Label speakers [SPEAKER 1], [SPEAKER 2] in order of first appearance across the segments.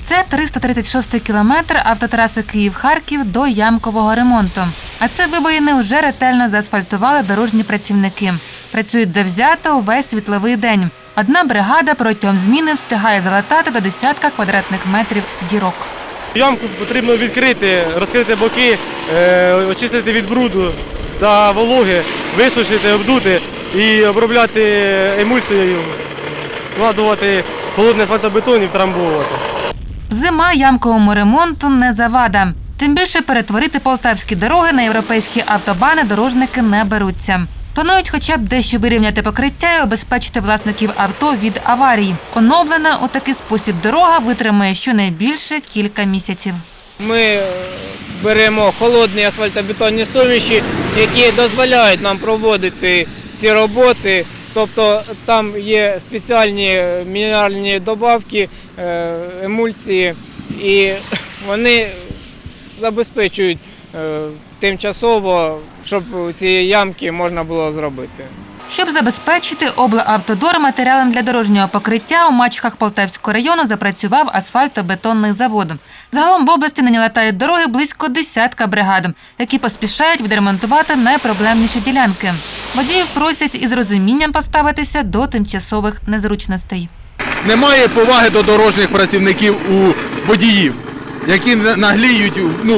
[SPEAKER 1] Це 336-й кілометр автотраси Київ-Харків до ямкового ремонту. А це вибоїни вже ретельно заасфальтували дорожні працівники. Працюють завзято увесь світловий день. Одна бригада протягом зміни встигає залатати до десятка квадратних метрів дірок.
[SPEAKER 2] Ямку потрібно відкрити, розкрити боки, очистити від бруду та вологи, висушити, обдути і обробляти емульсією, вкладувати холодний асфальтобетон і втрамбовувати.
[SPEAKER 1] Зима ямковому ремонту не завада. Тим більше перетворити полтавські дороги на європейські автобани дорожники не беруться. Планують хоча б дещо вирівняти покриття і обезпечити власників авто від аварій. Оновлена у такий спосіб дорога витримає щонайбільше кілька місяців.
[SPEAKER 3] Ми беремо холодні асфальтобетонні суміші, які дозволяють нам проводити ці роботи. Тобто там є спеціальні мінеральні добавки, емульсії, і вони забезпечують тимчасово, щоб ці ямки можна було зробити.
[SPEAKER 1] Щоб забезпечити облавтодор матеріалом для дорожнього покриття, у Мачхах Полтавського району запрацював асфальтобетонний завод. Загалом в області нині латають дороги близько десятка бригад, які поспішають відремонтувати найпроблемніші ділянки. Водіїв просять із розумінням поставитися до тимчасових незручностей.
[SPEAKER 4] Немає поваги до дорожніх працівників у водіїв, які нагліють,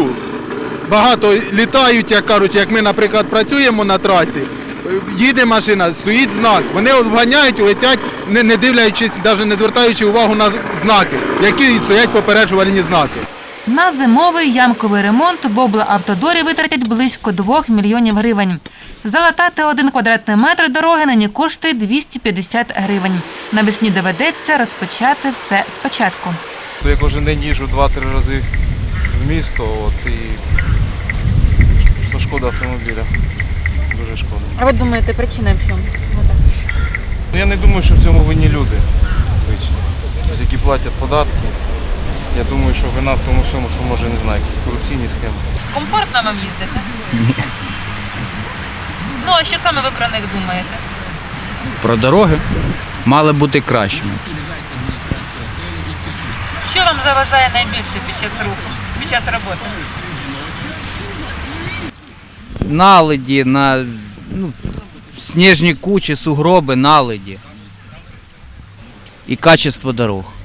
[SPEAKER 4] багато літають, як кажуть, як ми, наприклад, працюємо на трасі, їде машина, стоїть знак, вони обганяють, летять, не дивлячись, навіть не звертаючи увагу на знаки, які стоять попереджувальні знаки.
[SPEAKER 1] На зимовий ямковий ремонт в облавтодорі витратять близько 2 мільйонів гривень. Залатати 1 квадратний метр дороги нині коштує 250 гривень. Навесні доведеться розпочати все спочатку.
[SPEAKER 5] Я кожен день їжджу 2-3 рази в місто, і шкода автомобіля. Дуже шкода.
[SPEAKER 1] А ви думаєте, причина в чому?
[SPEAKER 5] Я не думаю, що в цьому винні люди, звичайно, які платять податки. Я думаю, що вина в тому всьому, що може, не знаю, якісь корупційні схеми.
[SPEAKER 1] Комфортно вам їздити? Ні. Ну, а що саме ви про них думаєте?
[SPEAKER 6] Про дороги мали бути кращими.
[SPEAKER 1] Що вам заважає найбільше під час руху, під час роботи?
[SPEAKER 6] Наледі, сніжні кучі, сугроби, наледі і качество дорог.